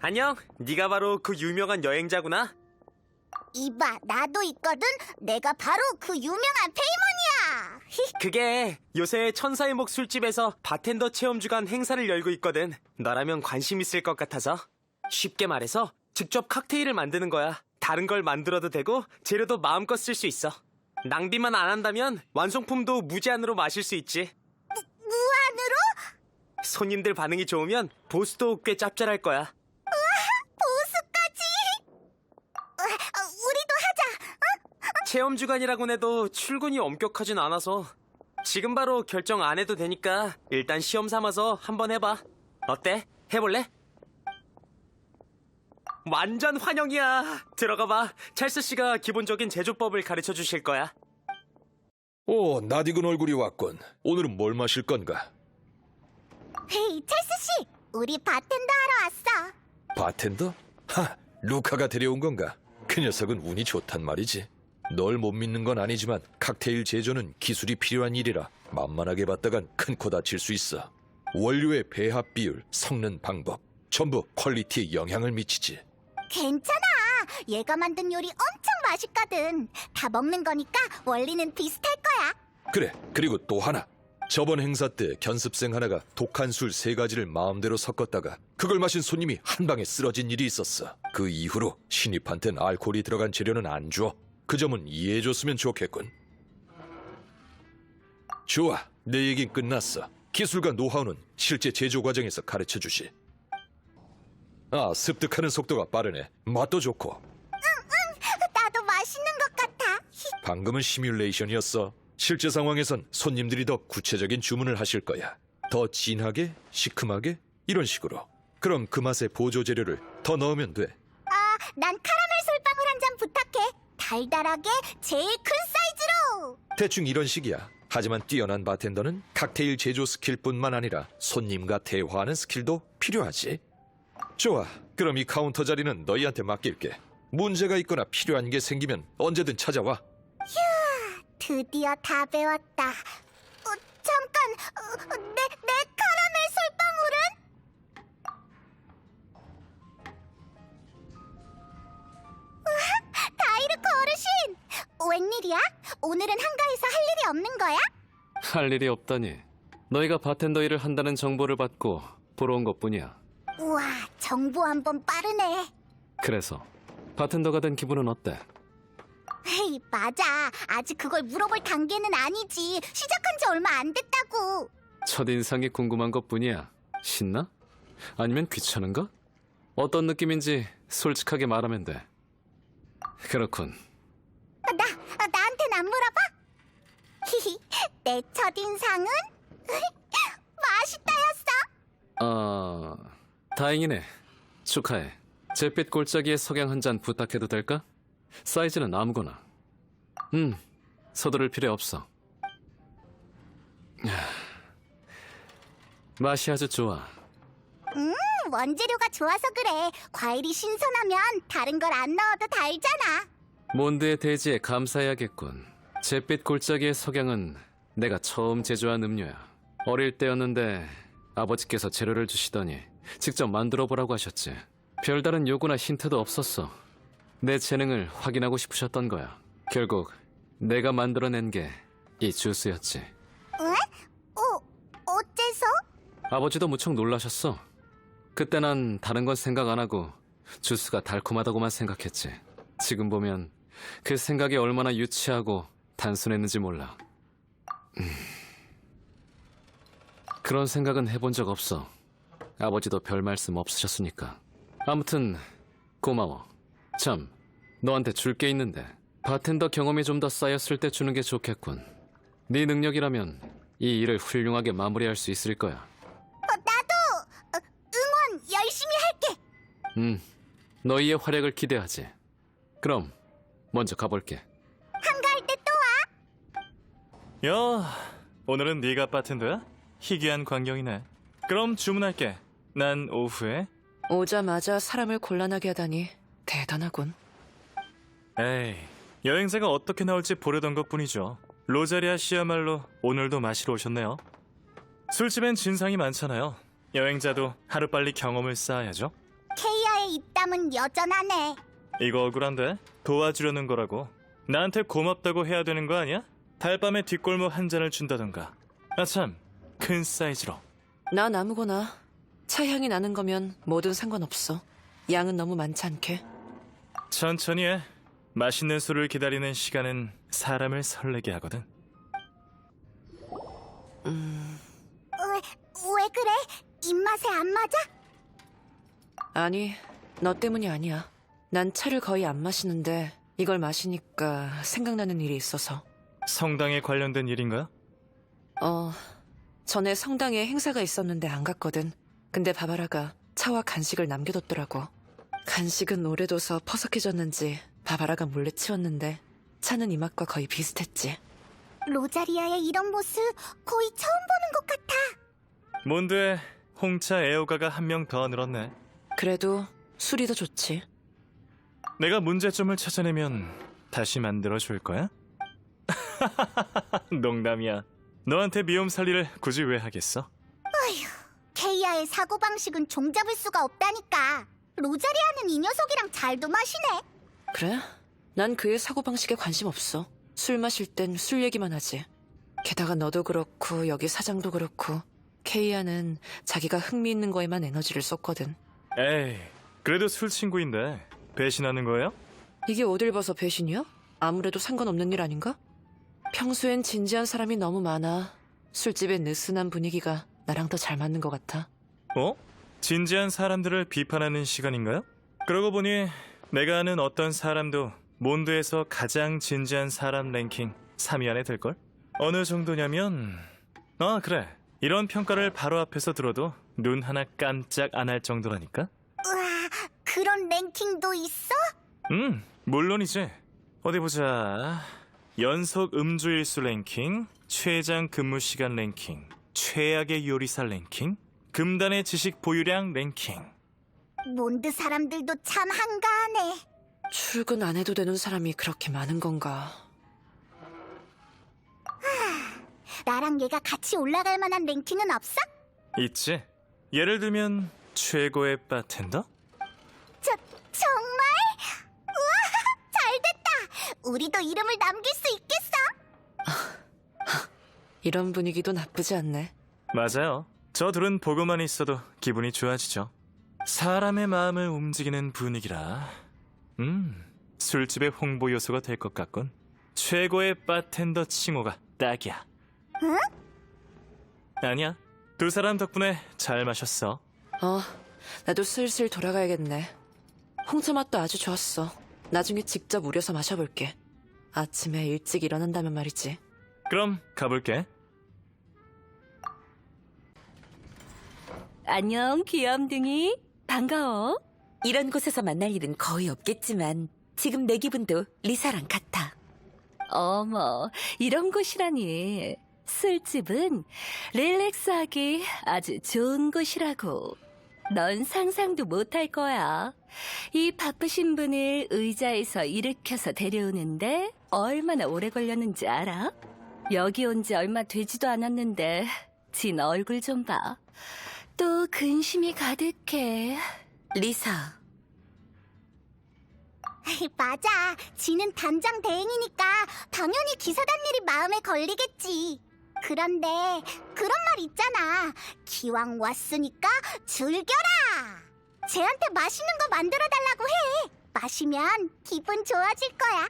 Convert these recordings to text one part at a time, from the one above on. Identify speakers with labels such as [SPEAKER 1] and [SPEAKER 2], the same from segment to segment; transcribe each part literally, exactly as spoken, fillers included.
[SPEAKER 1] 안녕, 네가 바로 그 유명한 여행자구나.
[SPEAKER 2] 이봐, 나도 있거든. 내가 바로 그 유명한 페이몬이야.
[SPEAKER 1] 그게 요새 천사의 목 술집에서 바텐더 체험 주간 행사를 열고 있거든. 너라면 관심 있을 것 같아서. 쉽게 말해서 직접 칵테일을 만드는 거야. 다른 걸 만들어도 되고 재료도 마음껏 쓸 수 있어. 낭비만 안 한다면 완성품도 무제한으로 마실 수 있지.
[SPEAKER 2] 무, 무한으로?
[SPEAKER 1] 손님들 반응이 좋으면 보수도 꽤 짭짤할 거야.
[SPEAKER 2] 보수까지? 어, 어, 우리도 하자. 응?
[SPEAKER 1] 체험 주간이라고 해도 출근이 엄격하진 않아서 지금 바로 결정 안 해도 되니까 일단 시험 삼아서 한번 해봐. 어때? 해볼래? 완전 환영이야. 들어가봐. 찰스 씨가 기본적인 제조법을 가르쳐 주실 거야.
[SPEAKER 3] 오, 낯익은 얼굴이 왔군. 오늘은 뭘 마실 건가?
[SPEAKER 2] 헤이, 찰스 씨, 우리 바텐더 하러 왔어.
[SPEAKER 3] 바텐더? 하, 루카가 데려온 건가? 그 녀석은 운이 좋단 말이지. 널 못 믿는 건 아니지만 칵테일 제조는 기술이 필요한 일이라 만만하게 봤다간 큰 코 다칠 수 있어. 원료의 배합 비율, 섞는 방법, 전부 퀄리티에 영향을 미치지.
[SPEAKER 2] 괜찮아. 얘가 만든 요리 엄청 맛있거든. 다 먹는 거니까 원리는 비슷할 거야.
[SPEAKER 3] 그래, 그리고 또 하나. 저번 행사 때 견습생 하나가 독한 술 세 가지를 마음대로 섞었다가 그걸 마신 손님이 한 방에 쓰러진 일이 있었어. 그 이후로 신입한텐 알코올이 들어간 재료는 안 줘. 그 점은 이해해줬으면 좋겠군. 좋아, 내 얘긴 끝났어. 기술과 노하우는 실제 제조 과정에서 가르쳐주시. 아, 습득하는 속도가 빠르네. 맛도 좋고.
[SPEAKER 2] 나도 맛있는 것 같아.
[SPEAKER 3] 방금은 시뮬레이션이었어. 실제 상황에선 손님들이 더 구체적인 주문을 하실 거야. 더 진하게, 시큼하게, 이런 식으로. 그럼 그 맛의 보조 재료를 더 넣으면 돼.
[SPEAKER 2] 아, 난 카라멜 솔방울 한 잔 부탁해. 달달하게 제일 큰 사이즈로.
[SPEAKER 3] 대충 이런 식이야. 하지만 뛰어난 바텐더는 칵테일 제조 스킬뿐만 아니라 손님과 대화하는 스킬도 필요하지. 좋아, 그럼 이 카운터 자리는 너희한테 맡길게. 문제가 있거나 필요한 게 생기면 언제든 찾아와.
[SPEAKER 2] 드디어 다 배웠다. 어, 잠깐, 어, 내, 내 카라멜 솔방울은? 우와, 다이르코 어르신! 웬일이야? 오늘은 한가해서 할 일이 없는 거야?
[SPEAKER 4] 할 일이 없다니. 너희가 바텐더 일을 한다는 정보를 받고 보러 온 것뿐이야.
[SPEAKER 2] 우와, 정보 한 번 빠르네.
[SPEAKER 4] 그래서 바텐더가 된 기분은 어때?
[SPEAKER 2] 헤이, 맞아. 아직 그걸 물어볼 단계는 아니지. 시작한 지 얼마 안 됐다고.
[SPEAKER 4] 첫인상이 궁금한 것뿐이야. 신나? 아니면 귀찮은가? 어떤 느낌인지 솔직하게 말하면 돼. 그렇군.
[SPEAKER 2] 나, 아, 나한텐 안 물어봐? 히히, 내 첫인상은? 맛있다였어.
[SPEAKER 4] 아... 다행이네. 축하해. 잿빛 골짜기에 석양 한 잔 부탁해도 될까? 사이즈는 아무거나. 음, 서두를 필요 없어. 맛이 아주 좋아.
[SPEAKER 2] 음, 원재료가 좋아서 그래. 과일이 신선하면 다른 걸 안 넣어도 달잖아.
[SPEAKER 4] 몬드의 대지에 감사해야겠군. 잿빛 골짜기의 석양은 내가 처음 제조한 음료야. 어릴 때였는데 아버지께서 재료를 주시더니 직접 만들어 보라고 하셨지. 별다른 요구나 힌트도 없었어. 내 재능을 확인하고 싶으셨던 거야. 결국 내가 만들어낸 게 이 주스였지.
[SPEAKER 2] 에? 어, 어째서?
[SPEAKER 4] 아버지도 무척 놀라셨어. 그때 난 다른 건 생각 안 하고 주스가 달콤하다고만 생각했지. 지금 보면 그 생각이 얼마나 유치하고 단순했는지 몰라. 음... 그런 생각은 해본 적 없어. 아버지도 별 말씀 없으셨으니까. 아무튼 고마워. 참, 너한테 줄 게 있는데 바텐더 경험이 좀 더 쌓였을 때 주는 게 좋겠군. 네 능력이라면 이 일을 훌륭하게 마무리할 수 있을 거야.
[SPEAKER 2] 어, 나도 어, 응원 열심히 할게.
[SPEAKER 4] 음, 너희의 활약을 기대하지. 그럼 먼저 가볼게.
[SPEAKER 2] 한가할 때 또 와.
[SPEAKER 5] 야, 오늘은 네가 바텐더야? 희귀한 광경이네. 그럼 주문할게. 난 오후에.
[SPEAKER 6] 오자마자 사람을 곤란하게 하다니 대단하군.
[SPEAKER 5] 에이, 여행사가 어떻게 나올지 보려던 것뿐이죠. 로자리아 씨야말로 오늘도 마시러 오셨네요. 술집엔 진상이 많잖아요. 여행자도 하루빨리 경험을 쌓아야죠.
[SPEAKER 2] 케이아의 뒷담은 여전하네.
[SPEAKER 5] 이거 억울한데? 도와주려는 거라고. 나한테 고맙다고 해야 되는 거 아니야? 달밤에 뒷골목 한 잔을 준다던가. 아참, 큰 사이즈로.
[SPEAKER 6] 난 아무거나. 차 향이 나는 거면 뭐든 상관없어. 양은 너무 많지 않게.
[SPEAKER 5] 천천히 해. 맛있는 술을 기다리는 시간은 사람을 설레게 하거든.
[SPEAKER 2] 왜, 왜 그래? 입맛에 안 맞아?
[SPEAKER 6] 아니, 너 때문이 아니야. 난 차를 거의 안 마시는데 이걸 마시니까 생각나는 일이 있어서.
[SPEAKER 5] 성당에 관련된 일인가요?
[SPEAKER 6] 어, 전에 성당에 행사가 있었는데 안 갔거든. 근데 바바라가 차와 간식을 남겨뒀더라고. 간식은 오래둬서 퍼석해졌는지 바바라가 몰래 치웠는데 차는 이 맛과 거의 비슷했지.
[SPEAKER 2] 로자리아의 이런 모습 거의 처음 보는 것 같아.
[SPEAKER 5] 몬드에 홍차 애호가가 한 명 더 늘었네.
[SPEAKER 6] 그래도 술이 더 좋지.
[SPEAKER 5] 내가 문제점을 찾아내면 다시 만들어줄 거야? 농담이야. 너한테 미움 살리를 굳이 왜 하겠어?
[SPEAKER 2] 케이아의 사고방식은 종잡을 수가 없다니까. 로자리아는 이 녀석이랑 잘도 마시네.
[SPEAKER 6] 그래? 난 그의 사고방식에 관심 없어. 술 마실 땐 술 얘기만 하지. 게다가 너도 그렇고 여기 사장도 그렇고 케이아는 자기가 흥미있는 거에만 에너지를 쏟거든.
[SPEAKER 5] 에이, 그래도 술 친구인데 배신하는 거예요?
[SPEAKER 6] 이게 어딜 봐서 배신이야? 아무래도 상관없는 일 아닌가? 평소엔 진지한 사람이 너무 많아. 술집의 느슨한 분위기가 나랑 더 잘 맞는 것 같아.
[SPEAKER 5] 어? 진지한 사람들을 비판하는 시간인가요? 그러고 보니 내가 아는 어떤 사람도 몬드에서 가장 진지한 사람 랭킹 삼 위 안에 들걸? 어느 정도냐면... 아 그래, 이런 평가를 바로 앞에서 들어도 눈 하나 깜짝 안 할 정도라니까?
[SPEAKER 2] 우와, 그런 랭킹도 있어?
[SPEAKER 5] 음, 물론이지. 어디 보자. 연속 음주일수 랭킹, 최장 근무시간 랭킹, 최악의 요리사 랭킹, 금단의 지식 보유량 랭킹.
[SPEAKER 2] 몬드 사람들도 참 한가하네.
[SPEAKER 6] 출근 안 해도 되는 사람이 그렇게 많은 건가?
[SPEAKER 2] 나랑 얘가 같이 올라갈 만한 랭킹은 없어?
[SPEAKER 5] 있지. 예를 들면 최고의 바텐더?
[SPEAKER 2] 저, 정말? 우와, 잘됐다. 우리도 이름을 남길 수 있겠어?
[SPEAKER 6] 이런 분위기도 나쁘지 않네.
[SPEAKER 5] 맞아요. 저 둘은 보고만 있어도 기분이 좋아지죠. 사람의 마음을 움직이는 분위기라. 음, 술집의 홍보 요소가 될 것 같군. 최고의 바텐더 칭호가 딱이야.
[SPEAKER 2] 응?
[SPEAKER 5] 아니야. 두 사람 덕분에 잘 마셨어.
[SPEAKER 6] 어, 나도 슬슬 돌아가야겠네. 홍차 맛도 아주 좋았어. 나중에 직접 우려서 마셔볼게. 아침에 일찍 일어난다면 말이지.
[SPEAKER 5] 그럼 가볼게.
[SPEAKER 7] 안녕, 귀염둥이. 반가워. 이런 곳에서 만날 일은 거의 없겠지만 지금 내 기분도 리사랑 같아. 어머, 이런 곳이라니. 술집은 릴렉스하기 아주 좋은 곳이라고. 넌 상상도 못할 거야. 이 바쁘신 분을 의자에서 일으켜서 데려오는데 얼마나 오래 걸렸는지 알아? 여기 온 지 얼마 되지도 않았는데 진 얼굴 좀 봐. 또 근심이 가득해. 리사.
[SPEAKER 2] 맞아. 지는 단장 대행이니까 당연히 기사단 일이 마음에 걸리겠지. 그런데 그런 말 있잖아. 기왕 왔으니까 즐겨라. 쟤한테 맛있는 거 만들어 달라고 해. 마시면 기분 좋아질 거야.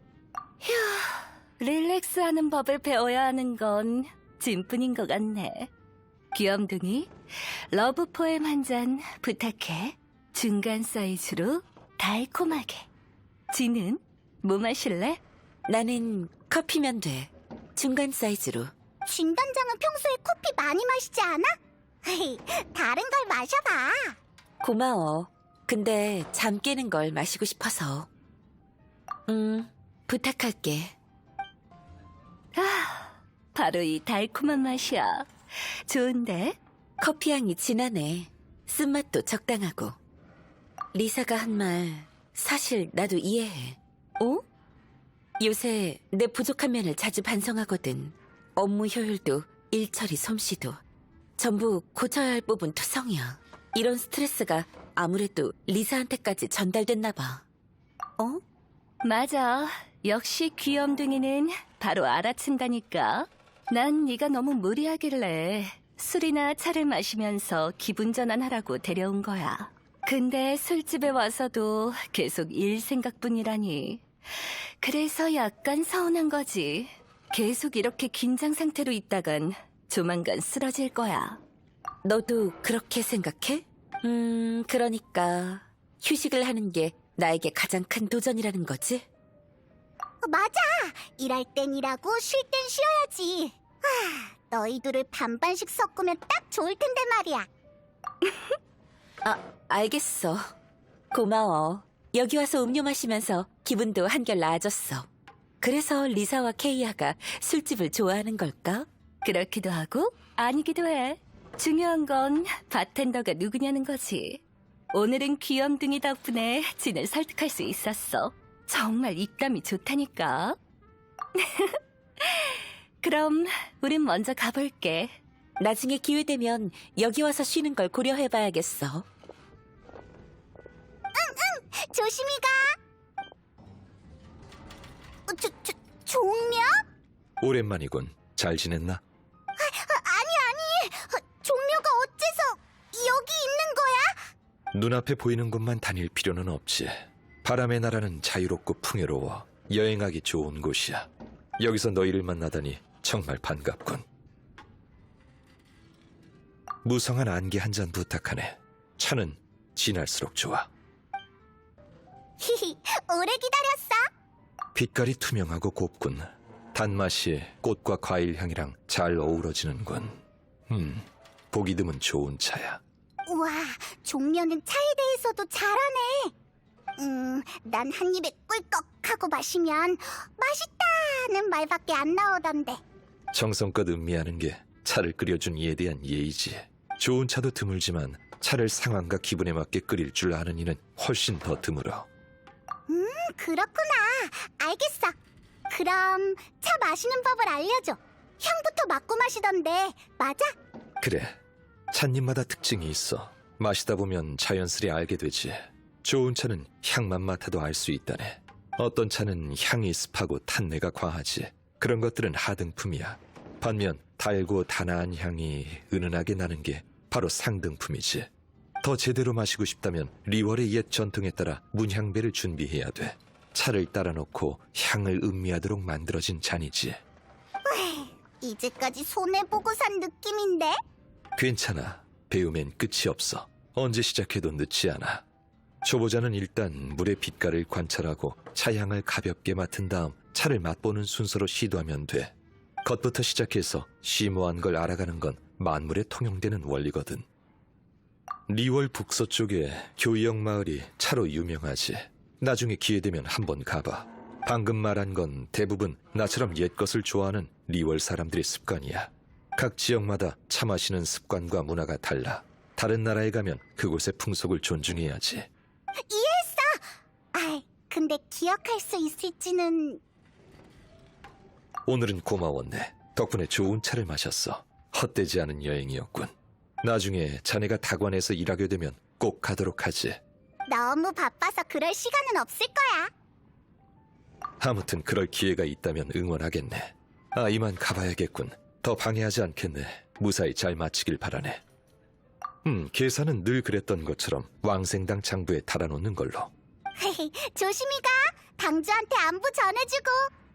[SPEAKER 7] 릴렉스하는 법을 배워야 하는 건 진뿐인 것 같네. 귀염둥이, 러브 포엠 한 잔 부탁해. 중간 사이즈로 달콤하게. 지는 뭐 마실래?
[SPEAKER 8] 나는 커피면 돼. 중간 사이즈로.
[SPEAKER 2] 진 단장은 평소에 커피 많이 마시지 않아? 다른 걸 마셔봐.
[SPEAKER 8] 고마워. 근데 잠 깨는 걸 마시고 싶어서. 음, 부탁할게.
[SPEAKER 7] 아, 바로 이 달콤한 맛이야. 좋은데?
[SPEAKER 8] 커피 향이 진하네. 쓴맛도 적당하고. 리사가 한 말 사실 나도 이해해.
[SPEAKER 7] 어?
[SPEAKER 8] 요새 내 부족한 면을 자주 반성하거든. 업무 효율도 일 처리 솜씨도 전부 고쳐야 할 부분 투성이야. 이런 스트레스가 아무래도 리사한테까지 전달됐나 봐. 어?
[SPEAKER 7] 맞아. 역시 귀염둥이는 바로 알아챈다니까. 난 네가 너무 무리하길래 술이나 차를 마시면서 기분 전환하라고 데려온 거야. 근데 술집에 와서도 계속 일 생각뿐이라니. 그래서 약간 서운한 거지. 계속 이렇게 긴장 상태로 있다간 조만간 쓰러질 거야.
[SPEAKER 8] 너도 그렇게 생각해? 음, 그러니까 휴식을 하는 게 나에게 가장 큰 도전이라는 거지?
[SPEAKER 2] 어, 맞아. 일할 땐 일하고 쉴 땐 쉬어야지. 하, 너희들을 반반씩 섞으면 딱 좋을 텐데 말이야.
[SPEAKER 8] 아, 알겠어. 고마워. 여기 와서 음료 마시면서 기분도 한결 나아졌어. 그래서 리사와 케이아가 술집을 좋아하는 걸까?
[SPEAKER 7] 그렇기도 하고 아니기도 해. 중요한 건 바텐더가 누구냐는 거지. 오늘은 귀염둥이 덕분에 진을 설득할 수 있었어. 정말 입담이 좋다니까. 그럼 우린 먼저 가볼게.
[SPEAKER 8] 나중에 기회 되면 여기 와서 쉬는 걸 고려해봐야겠어.
[SPEAKER 2] 조심히 가. 어, 조, 조, 종려?
[SPEAKER 3] 오랜만이군. 잘 지냈나?
[SPEAKER 2] 아니 아니. 어, 종려가 어째서 여기 있는 거야?
[SPEAKER 3] 눈앞에 보이는 곳만 다닐 필요는 없지. 바람의 나라는 자유롭고 풍요로워 여행하기 좋은 곳이야. 여기서 너희를 만나다니 정말 반갑군. 무성한 안개 한 잔 부탁하네. 차는 진할수록 좋아.
[SPEAKER 2] 히히, 오래 기다렸어.
[SPEAKER 3] 빛깔이 투명하고 곱군. 단맛이 꽃과 과일 향이랑 잘 어우러지는군. 음, 보기 드문 좋은 차야.
[SPEAKER 2] 우와, 종려는 차에 대해서도 잘하네. 음, 난 한 입에 꿀꺽 하고 마시면 맛있다는 말밖에 안 나오던데.
[SPEAKER 3] 정성껏 음미하는 게 차를 끓여준 이에 대한 예의지. 좋은 차도 드물지만 차를 상황과 기분에 맞게 끓일 줄 아는 이는 훨씬 더 드물어.
[SPEAKER 2] 음, 그렇구나. 알겠어. 그럼 차 마시는 법을 알려줘. 향부터 맡고 마시던데, 맞아?
[SPEAKER 3] 그래, 찻잎마다 특징이 있어. 마시다 보면 자연스레 알게 되지. 좋은 차는 향만 맡아도 알 수 있다네. 어떤 차는 향이 습하고 탄내가 과하지. 그런 것들은 하등품이야. 반면 달고 단아한 향이 은은하게 나는 게 바로 상등품이지. 더 제대로 마시고 싶다면 리월의 옛 전통에 따라 문향배를 준비해야 돼. 차를 따라 놓고 향을 음미하도록 만들어진 잔이지.
[SPEAKER 2] 이제까지 손해보고 산 느낌인데?
[SPEAKER 3] 괜찮아. 배우면 끝이 없어. 언제 시작해도 늦지 않아. 초보자는 일단 물의 빛깔을 관찰하고 차향을 가볍게 맡은 다음 차를 맛보는 순서로 시도하면 돼. 겉부터 시작해서 심오한 걸 알아가는 건 만물에 통용되는 원리거든. 리월 북서쪽에 교이역 마을이 차로 유명하지. 나중에 기회되면 한번 가봐. 방금 말한 건 대부분 나처럼 옛것을 좋아하는 리월 사람들의 습관이야. 각 지역마다 차 마시는 습관과 문화가 달라. 다른 나라에 가면 그곳의 풍속을 존중해야지.
[SPEAKER 2] 이해했어! 아이, 근데 기억할 수 있을지는...
[SPEAKER 3] 오늘은 고마웠네. 덕분에 좋은 차를 마셨어. 헛되지 않은 여행이었군. 나중에 자네가 다관에서 일하게 되면 꼭 가도록 하지.
[SPEAKER 2] 너무 바빠서 그럴 시간은 없을 거야.
[SPEAKER 3] 아무튼 그럴 기회가 있다면 응원하겠네. 아, 이만 가봐야겠군. 더 방해하지 않겠네. 무사히 잘 마치길 바라네. 음, 계산은 늘 그랬던 것처럼 왕생당 장부에 달아놓는 걸로.
[SPEAKER 2] 조심히 가. 당주한테 안부 전해주고.